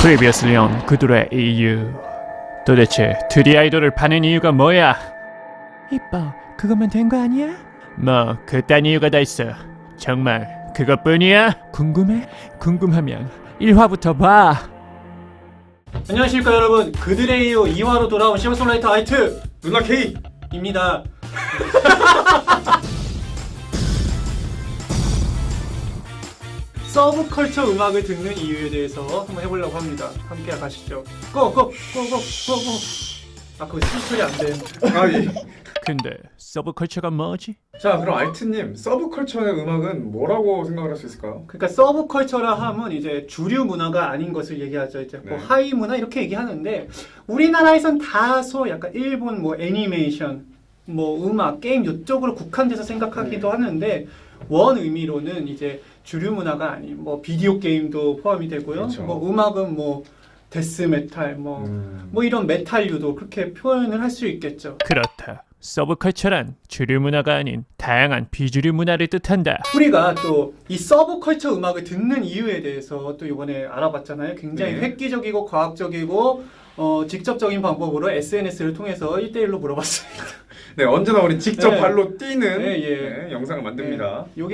Previously on 그들의 이유. 도대체 트리 아이돌을 파는 이유가 뭐야? 이뻐, 그거면 된 거 아니야? 뭐 그딴 이유가 다 있어. 정말 그것뿐이야? 궁금해? 궁금하면 1화부터 봐. 안녕하십니까 여러분, 그들의 이유 2화로 돌아온 싱어송라이터 아이트 누나 K 입니다. 서브컬처 음악을 듣는 이유에 대해서 한번 해보려고 합니다. 함께 가시죠. 고고고고고고. 아 그거 스피커리 안 돼. 아 예. 근데 서브컬처가 뭐지? 자 그럼 알트님 서브컬처의 음악은 뭐라고 생각을 할 수 있을까요? 그러니까 서브컬처라 하면 이제 주류 문화가 아닌 것을 얘기하죠. 이제 뭐 네. 하위 문화 이렇게 얘기하는데 우리나라에선 다소 약간 일본 뭐 애니메이션, 뭐 음악, 게임 이쪽으로 국한돼서 생각하기도 하는데 원 의미로는 이제 주류 문화가 아닌 뭐 비디오 게임도 포함이 되고요. 그렇죠. 뭐 음악은 뭐 데스 메탈 뭐 이런 메탈류도 그렇게 표현을 할 수 있겠죠. 그렇다. 서브컬처란 주류 문화가 아닌 다양한 비주류 문화를 뜻한다. 우리가 또 이 서브컬처 음악을 듣는 이유에 대해서 또 이번에 알아봤잖아요. 굉장히 네. 획기적이고 과학적이고 직접적인 방법으로 SNS를 통해서 1대1로 물어봤습니다. 네 언제나 우리 직접 네. 발로 뛰는 네, 예. 네, 영상을 만듭니다. 요게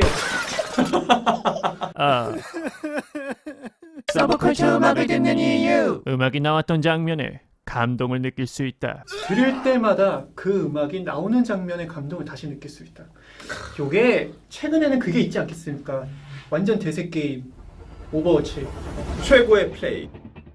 아, 서브컬처 음악을 듣는 이유. 음악이 나왔던 장면에 감동을 느낄 수 있다. 들을 때마다 그 음악이 나오는 장면의 감동을 다시 느낄 수 있다. 요게 최근에는 그게 있지 않겠습니까? 완전 대세 게임 오버워치. 최고의 플레이.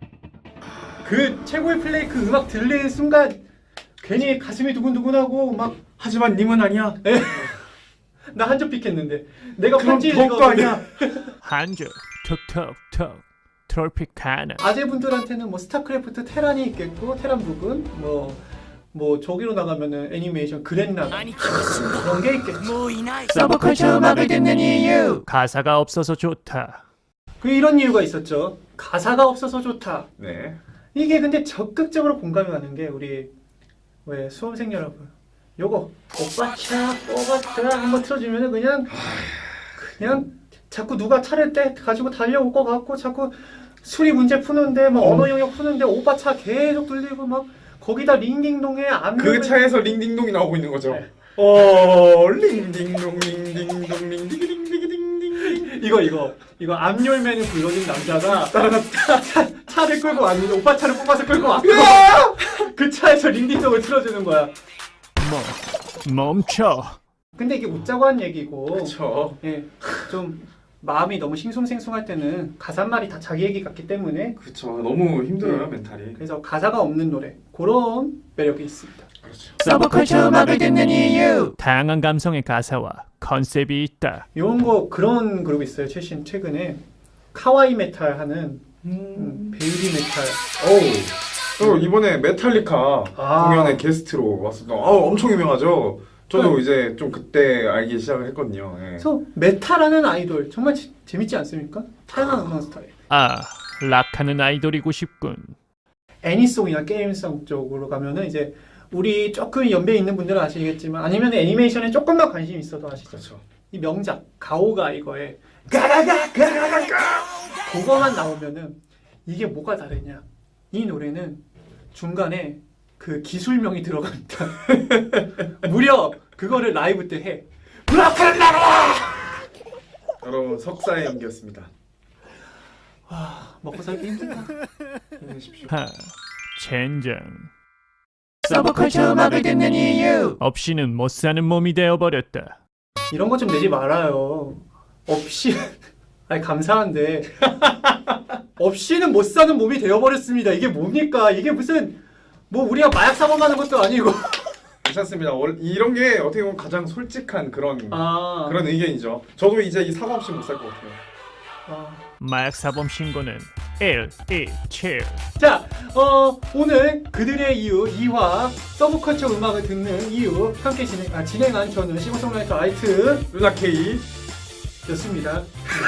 그 최고의 플레이 그 음악 들리는 순간 괜히 가슴이 두근두근하고 막 하지만 님은 아니야. 나 한 점 픽했는데 내가 그럼 편지 더욱도 읽었는데 아니야. 한줄 톡톡톡 트로피카나. 아재분들한테는 뭐 스타크래프트 테란이 있겠고 테란 부분 뭐 저기로 나가면은 애니메이션 그랜라간 그런 게 있겠죠. 서브컬처 음악을 듣는 이유. 가사가 없어서 좋다. 그 이런 이유가 있었죠. 가사가 없어서 좋다. 네. 이게 근데 적극적으로 공감이 가는 게 우리 왜 수험생 여러분 요거 오빠차 오빠차 한번 틀어주면은 그냥 자꾸 누가 차를 때 가지고 달려올 것 같고 자꾸 수리 문제 푸는데 막 언어 영역 푸는데 오빠차 계속 들리고 막 거기다 링딩동에 그 차에서 링딩동이 나오고 있는 거죠. 네. 링딩동 링딩동 링딩딩딩딩딩. 이거 앞열매는 불러준 남자가 차를 끌고 왔는데 오빠 차를 뽑아서 끌고 왔고 그 차에서 링딩동을 틀어주는 거야. 멈춰. 근데 이게 웃자고 한 얘기고 그렇죠. 예, 좀 마음이 너무 싱숭생숭할 때는 가사말이 다 자기 얘기 같기 때문에 그렇죠. 너무 힘들어요 네. 멘탈이. 그래서 가사가 없는 노래 그런 매력이 있습니다. 그렇죠. 서브컬처 음악을 듣는 이유. 다양한 감성의 가사와 컨셉이 있다. 이런 거 그런 그룹이 있어요. 최근에 카와이 메탈 하는 베이비 메탈. 어우. 또 이번에 메탈리카 아. 공연에 게스트로 왔었던. 엄청 유명하죠. 저도 네. 이제 좀 그때 알기 시작을 했거든요. 예. 그래서 메탈하는 아이돌 정말 재밌지 않습니까? 다양한 음악 스타일. 아, 락하는 아이돌이고 싶군. 애니송이나 게임성 쪽으로 가면은 이제 우리 조금 연배 있는 분들은 아시겠지만 아니면 애니메이션에 조금만 관심 있어도 아시죠? 그렇죠. 이 명작 가오가 이거에 가가가 그거만 나오면은 이게 뭐가 다르냐? 이 노래는 중간에 그 기술명이 들어갑니다. 무려 그거를 라이브 때 해. 여러분 석사의 연기였습니다. 먹고 살기 힘들다. 힘내십시오. 하, 젠장. 서브컬처 음악을 듣는 이유. 없이는 못 사는 몸이 되어버렸다. 이런 거 좀 내지 말아요. 없이 아니 감사한데 없이는 못 사는 몸이 되어버렸습니다. 이게 뭡니까? 이게 무슨 뭐 우리가 마약 사범하는 것도 아니고. 괜찮습니다. 이런 게 어떻게 보면 가장 솔직한 그런 의견이죠. 저도 이제 이 사과 없이 못 살 것 같아요. 마약 사범 신고는 1, 2, 7. 자, 오늘 그들의 이유 2화 서브컬처 음악을 듣는 이유 함께 진행한 저는 싱어송라이터 아이트 누나 K. 였습니다.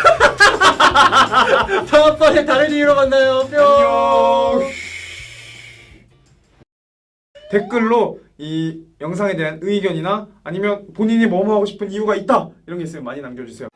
다음번에 다른 이유로 만나요. 뿅. 안녕. 댓글로 이 영상에 대한 의견이나 아니면 본인이 뭐 하고 싶은 이유가 있다 이런 게 있으면 많이 남겨주세요.